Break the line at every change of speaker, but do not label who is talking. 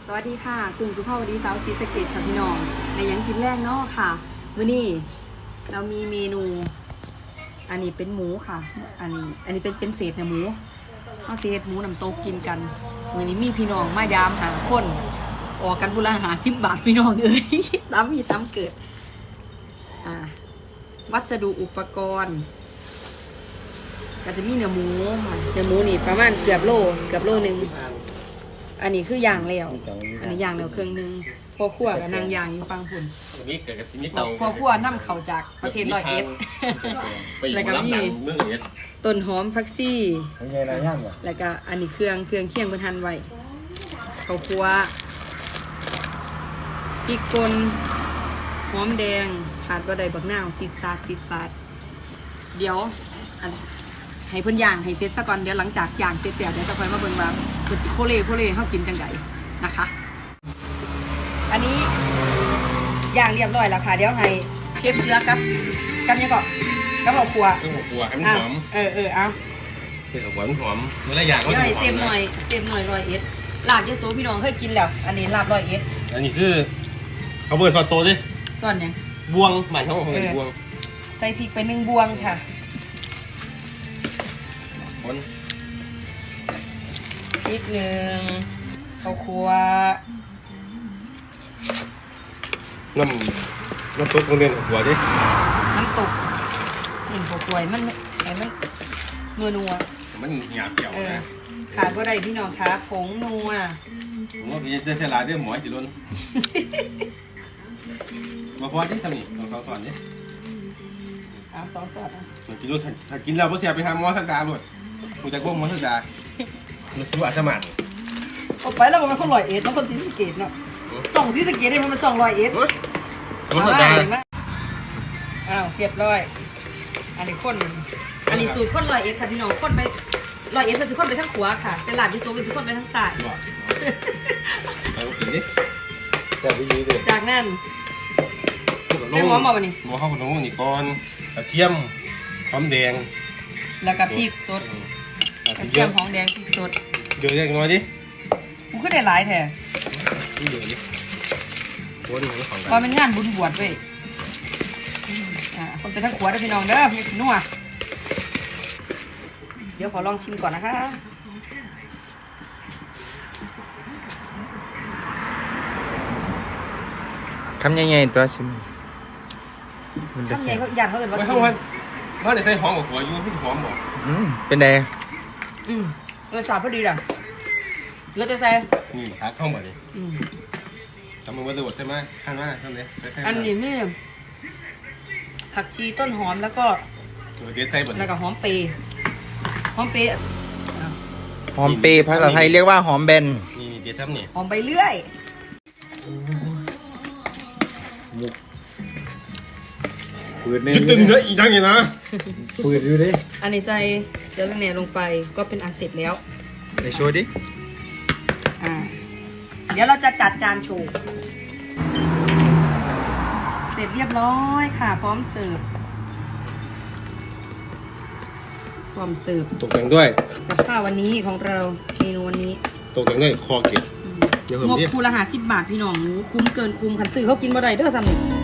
สวัสดีค่ะกลุ่มสุภาพวดีสาวศรีสะเกษค่ะพี่น้องในยังกินแรกเนาะค่ะมื้อนี้เรามีเมนูอันนี้เป็นหมูค่ะอันนี้เป็นเศษเนื้อหมูเอาเศษหมูน้ำตกกินกันมื้อนี้มีพี่น้องมายามหาคนออกกันบุราหา10 บาทพี่น้องเอ้ยตามมีตามเกิดวัสดุอุปกรณ์ก็จะมีเนื้อหมูค่ะเนื้อหมูนี่ประมาณเกือบโลนึงอันนี้คือย่างแล้วอันนี้ย่างแล้วเครื่องนึงพอขั่วกับนางย่างอยู่ฟังผุน
นี่เกิดกับที่นี่เตา
พอขั่วน้ำเขาจากประเทศร้อยเอ็ดแล้วก็มีต้นหอมผักซี่แล้วก็อันนี้เครื่องเคียงบนทันไว้เขาขั่วพริกป่นหอมแดงขาดบ่ได้บักนาวซีดซาดเดี๋ยวให้เพิ่นย่างให้เสร็จซะก่อนเดี๋ยวหลังจากย่างเสร็จแล้วเดี๋ยวจะค่อยมาเบิ่งว่าเพิ่นสิโคเล่เฮากินจังไดนะคะอันนี้ย่างเรียบร้อยแล้วค่ะเดี๋ยวให้เชฟเจือกับยังก็กับเอาขั่ว
ให้มันหอม
เอา
ให้มันหอมเมื่อไรอย่างก็
ให้เซฟหน่อยร้อยเอ็ดลาบเยโสพี่น้องเคยกินแล้วอันนี้ลาบร้อยเอ็ด
อันนี้คือเขาเบิร์ดซอสโตดิ
ซอนยัง
บวงหมายถึงของบวง
ใส่พริกไป1 บวงค่ะพริก1ข้าวคั่ว
น้ำตุ๊กโรงเรียนหัวดิ
น้ำตกข้าวคั่วมันนัว
มันหยาบเกี่ยวนะ
ขาดบ่ได้พี่น้องคะผงนัว
ผมว่าพี่จะเฉลาด้วยหมอจิรุนมาพอที่ทำนี่ลองสอนดิ
เอาซอส
จิรุนถ้ากินแล้วพอเสียไปทำมอสักดาหมดกูจะก้มมอสักดาดูอาสมัน
ออกไปแล้วมันคน100 เอ็ดมันคนศรีสะเกษเนาะส่งศรีสะเกษได้มัน200 เอ็ด
มอสักดา
อ้าวเรียบร้อยอันนี้สูตรคน100 เอ็ดค่ะพี่น้องคนไป100 เอ็ดเป็นสิคนไปทั้งขวาค่ะเป็นหลาดยิโซเป็นสิคนไปทั้งซ้ายจากนั้นใส่หอมมาบ่นี่
หอมข้าวขนมนี่ก่อนกระเทียมหอมแดง
แล้วก็พริกสดกระเทียมหอมแดงพริกสด
เยอะแยะน้อยดิ
กูขึ้นได้หลายแท้
นี่เดี๋ยวนี้
พอเป็นงานบุญบวชเว้ยคนเป็นทั้งขวาได้พี่น้องเด้อมีสินัวเดี๋ยวขอลองชิมก่อนนะคะ
คำใหญ่ๆตัวชิม
คำใหญ่เขาอยากเขาเกิดว่า
ไม่เข้าว่าจะใส่หอมกับหัวอยู่พี่หอมบอก
เป็นไง
รสชาติพอดีด่ะแล้วจะใส่
นี่หาเข้ามาดิทำมันวัตถุดิบใช่ไหมข้างหน้าข้างนี้
อันนี้ไม่ผักชีต้นหอมแล้วก็หอมเปย์
หอมเปย์ภาษาไทยเรียกว่าหอมแบน
นี่เดี๋ยวทำนี่
หอมใบเลื่อย
ฝืดเนี่ยตึงเลยอีกทั้งอย่างนะ
ฝืดอยู่ดิ
อันนี้ใส่เดี๋ยวเนี่ยลงไปก็เป็นอันเสร็จแล้ว
ไปโชว์ดิ
เดี๋ยวเราจะจัดจานโชว์เสร็จเรียบร้อยค่ะพร้อมเสิร์ฟ
ตกแต่งด้วย
กับข้าววันนี้ของเราเมนูวันนี้
ตกแต่งด้วยคอเกล็ด
งบคูละ50 บาทพี่น้องคุ้มเกินคุ้มขันซื้อเขากินบ่ได้เด้อซ้ำนี่